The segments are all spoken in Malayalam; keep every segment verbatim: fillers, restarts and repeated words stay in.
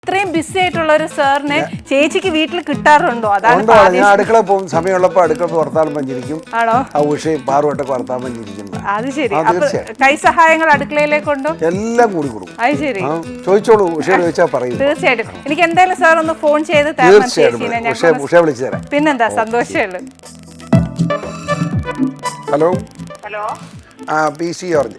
ഇത്രയും ബിസി ആയിട്ടുള്ള ഒരു സാറിനെ ചേച്ചിക്ക് വീട്ടിൽ കിട്ടാറുണ്ടോ? അതാണ് ഞാൻ അടുക്കള പോകും, സമയമുള്ളപ്പോ അടുക്കള വർത്താനം പഞ്ചിരിക്കും. ആണോ? ആ ഉഷയും പാറുവട്ടൊക്കെ വർത്താനം പഞ്ചിരിക്കും. അത് ശരി. കൈ സഹായങ്ങൾ അടുക്കളയിലേക്കുണ്ടോ? എല്ലാം കൂടി കൊടുക്കും. അത് ശരി. ചോദിച്ചോളൂ, ഉഷയോട് ചോദിച്ചാൽ പറയും. തീർച്ചയായിട്ടും. എനിക്ക് എന്തായാലും സാർ ഒന്ന് ഫോൺ ചെയ്ത് തരണം ചേച്ചീനെ. ഉഷ വിളിച്ചു തരാം. പിന്നെന്താ, സന്തോഷമേ ഉള്ളൂ. Hello hello. ആ പി സി ജോർജ്.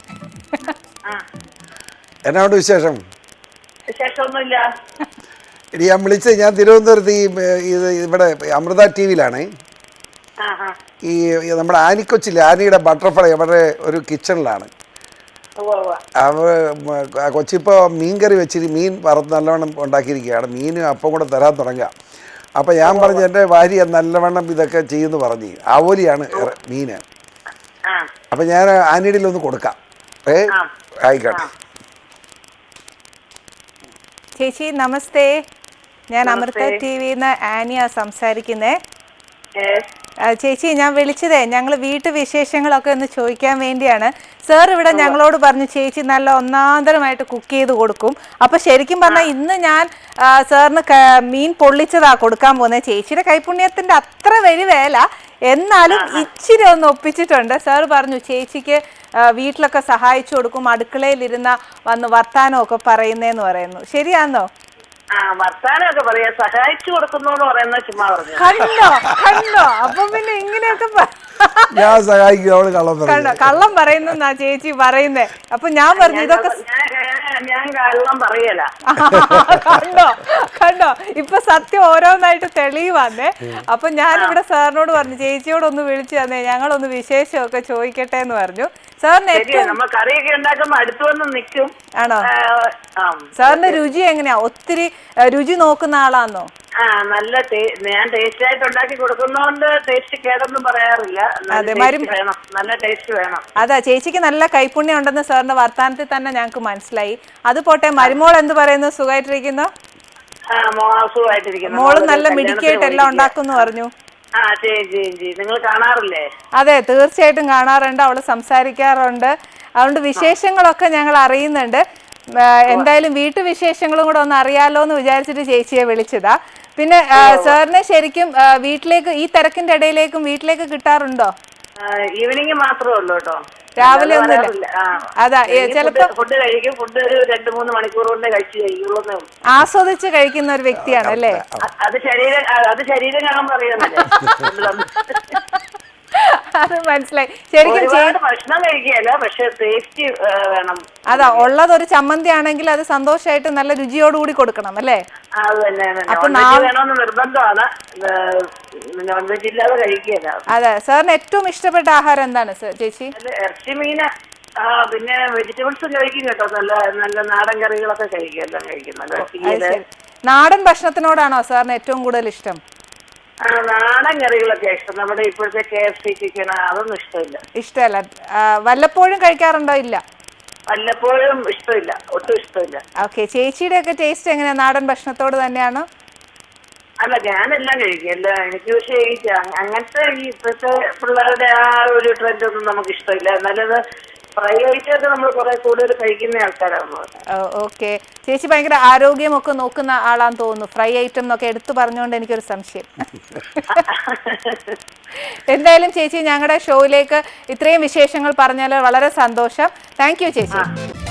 എന്നാണ്ട് വിശേഷം? വിശേഷമൊന്നുമില്ല. ഇനി ഞാൻ വിളിച്ചത്, ഞാൻ തിരുവനന്തപുരത്ത് ഈ ഇത് ഇവിടെ അമൃത ടി വിയിലാണ്. ഈ നമ്മുടെ ആനിക്കൊച്ചില്ല, ആനിയുടെ ബട്ടർഫ്ലൈ അവരുടെ ഒരു കിച്ചണിലാണ്. അവ കൊച്ചിപ്പോൾ മീൻ കറി വെച്ചിട്ട് മീൻ വറുത്ത് നല്ലവണ്ണം ഉണ്ടാക്കിയിരിക്കുകയാണ്. മീനും അപ്പം കൂടെ തരാൻ തുടങ്ങുക. അപ്പം ഞാൻ പറഞ്ഞു എൻ്റെ ഭാര്യ നല്ലവണ്ണം ഇതൊക്കെ ചെയ്യുമെന്ന് പറഞ്ഞു. ആവോലിയാണ് മീന്. അപ്പം ഞാൻ ആനിയുടെ ഒന്ന് കൊടുക്കാം. ഏ ആയിക്കോട്ടെ. ചേച്ചി നമസ്തേ, ഞാൻ അമൃത ടി വിന്ന് ആനിയ സംസാരിക്കുന്നേ. ചേച്ചി ഞാൻ വിളിച്ചതേ ഞങ്ങൾ വീട്ടു വിശേഷങ്ങളൊക്കെ ഒന്ന് ചോദിക്കാൻ വേണ്ടിയാണ്. സാർ ഇവിടെ ഞങ്ങളോട് പറഞ്ഞു ചേച്ചി നല്ല ഒന്നാന്തരമായിട്ട് കുക്ക് ചെയ്ത് കൊടുക്കും. അപ്പൊ ശരിക്കും പറഞ്ഞാൽ ഇന്ന് ഞാൻ സാറിന് മീൻ പൊള്ളിച്ചതാ കൊടുക്കാൻ പോകുന്നത്. ചേച്ചിയുടെ കൈപുണ്യത്തിന്റെ അത്ര വലിയ വേല, എന്നാലും ഇച്ചിരി ഒന്ന് ഒപ്പിച്ചിട്ടുണ്ട്. സാർ പറഞ്ഞു ചേച്ചിക്ക് വീട്ടിലൊക്കെ സഹായിച്ചു കൊടുക്കും, അടുക്കളയിലിരുന്ന വന്ന് വർത്താനമൊക്കെ പറയുന്നേന്ന് പറയുന്നു. ശരിയാന്നോ? വർത്താനൊക്കെ പറയാ, സഹായിച്ചു കൊടുക്കുന്നു പറയുന്നത് ചുമ്മാ പറഞ്ഞു. കണ്ടോ കണ്ടോ അപ്പൊ പിന്നെ ഇങ്ങനെയൊക്കെ ഞാൻ സഹായിക്കും. കണ്ടോ, കള്ളം പറയുന്നാ ചേച്ചി പറയുന്നേ. അപ്പൊ ഞാൻ പറഞ്ഞു ഇതൊക്കെ ഞാൻ കള്ളം പറയല. കണ്ടോ കണ്ടോ ഇപ്പൊ സത്യം ഓരോന്നായിട്ട് തെളിയുവാന്നേ. അപ്പൊ ഞാനിവിടെ സാറിനോട് പറഞ്ഞു ചേച്ചിയോട് ഒന്ന് വിളിച്ചു തന്നേ, ഞങ്ങളൊന്ന് വിശേഷമൊക്കെ ചോദിക്കട്ടെ എന്ന് പറഞ്ഞു. സാറിന് ഏറ്റവും കറിയൊക്കെ ഉണ്ടാക്കുമ്പോ അടുത്ത് വന്ന് നിൽക്കും. ആണോ? സാറിന്റെ രുചി എങ്ങനെയാ? ഒത്തിരി രുചി നോക്കുന്ന ആളാന്നോ? ആ നല്ല ഞാൻ ടേസ്റ്റ് ആയിട്ട് ഉണ്ടാക്കി കൊടുക്കുന്നോണ്ട് ടേസ്റ്റ് കേടൊന്നും പറയാറില്ല. വേണം, നല്ല ടേസ്റ്റ് വേണം. അതാ ചേച്ചിക്ക് നല്ല കൈപുണ്യം ഉണ്ടെന്ന് സാറിന്റെ വർത്താനത്തിൽ തന്നെ ഞങ്ങൾക്ക് മനസ്സിലായി. അത് പോട്ടെ, മരുമോൾ എന്ത് പറയുന്നു? സുഖമായിട്ടിരിക്കുന്നു? മോള് നല്ല മിടുക്കിയായിട്ട് എല്ലാം ഉണ്ടാക്കുന്നു പറഞ്ഞു. നിങ്ങൾ കാണാറില്ലേ? അതെ, തീർച്ചയായിട്ടും കാണാറുണ്ട്. അവള് സംസാരിക്കാറുണ്ട്. അതുകൊണ്ട് വിശേഷങ്ങളൊക്കെ ഞങ്ങൾ അറിയുന്നുണ്ട്. എന്തായാലും വീട്ടു വിശേഷങ്ങളും കൂടെ ഒന്ന് അറിയാലോ എന്ന് വിചാരിച്ചിട്ട് ചേച്ചിയെ വിളിച്ചതാ. പിന്നെ സാറിനെ ശരിക്കും വീട്ടിലേക്ക് ഈ തിരക്കിന്റെ ഇടയിലേക്കും വീട്ടിലേക്ക് കിട്ടാറുണ്ടോ? ഈവനിങ് മാത്രമേ ഉള്ളൂ കേട്ടോ, രാവിലെ ഒന്നുമില്ല. അതാ ചിലപ്പോ ഫുഡ് കഴിക്കും, ഫുഡ് ഒരു രണ്ട് മൂന്ന് മണിക്കൂർ കൊണ്ട് കഴിച്ചു കഴിക്കുള്ളൂ. ആസ്വദിച്ച് കഴിക്കുന്ന ഒരു വ്യക്തിയാണ് അല്ലേ? അത് ശരീരം അത് ശരീരം കാണാൻ പറയുന്നില്ലേ? അത് മനസ്സിലായി. ശരിക്കും ഭക്ഷണം കഴിക്കുകയല്ല, പക്ഷെ ടേസ്റ്റ് വേണം. അതാ ഉള്ളത് ഒരു ചമ്മന്തി ആണെങ്കിൽ അത് സന്തോഷമായിട്ട് നല്ല രുചിയോടുകൂടി കൊടുക്കണം അല്ലേ? അപ്പൊ നിർബന്ധമാണ്, നോൺ വെജ് ഇല്ലാതെ കഴിക്കുകയല്ല. അതെ. സാറിന് ഏറ്റവും ഇഷ്ടപ്പെട്ട ആഹാരം എന്താണ് ചേച്ചി? ഇറച്ചി, മീന്, പിന്നെ വെജിറ്റബിൾസും കഴിക്കും കേട്ടോ. നല്ല നല്ല നാടൻ കറികളൊക്കെ കഴിക്കും, എല്ലാം കഴിക്കും. നാടൻ ഭക്ഷണത്തിനോടാണോ സാറിന് ഏറ്റവും കൂടുതൽ ഇഷ്ടം? നാടൻ കറികളൊക്കെ ഇഷ്ടം. നമ്മുടെ ഇപ്പോഴത്തെ കെ എഫ് സി ചിക്കൻ അതൊന്നും ഇഷ്ടമില്ല. ഇഷ്ടമല്ല. വല്ലപ്പോഴും കഴിക്കാറുണ്ടോ? ഇല്ല, വല്ലപ്പോഴും ഇഷ്ടമില്ല, ഒട്ടും ഇഷ്ടമില്ല. ഓക്കെ. ചേച്ചിയുടെ ഒക്കെ ടേസ്റ്റ് എങ്ങനെയാ? നാടൻ ഭക്ഷണത്തോട് തന്നെയാണോ? അല്ല, ഞാനെല്ലാം കഴിക്കും എല്ലാം. എനിക്ക് പക്ഷേ ഈ അങ്ങനത്തെ ഈ ഇപ്പോഴത്തെ പിള്ളേരുടെ ആ ഒരു ട്രെൻഡ് ഒന്നും നമുക്ക് ഇഷ്ടമില്ല. എന്നാലും ഫ്രൈ ഐറ്റമൊക്കെ നമ്മൾ കുറെ കൂടുതൽ കഴിക്കുന്ന ആൾക്കാരാണ്. ഓക്കെ. ചേച്ചി ഭയങ്കര ആരോഗ്യമൊക്കെ നോക്കുന്ന ആളാന്ന് തോന്നുന്നു. ഫ്രൈ ഐറ്റം എന്നൊക്കെ എടുത്തു പറഞ്ഞുകൊണ്ട് എനിക്കൊരു സംശയം. എന്തായാലും ചേച്ചി ഞങ്ങളുടെ ഷോയിലേക്ക് ഇത്രയും വിശേഷങ്ങൾ പറഞ്ഞാൽ വളരെ സന്തോഷം. താങ്ക് യു ചേച്ചി.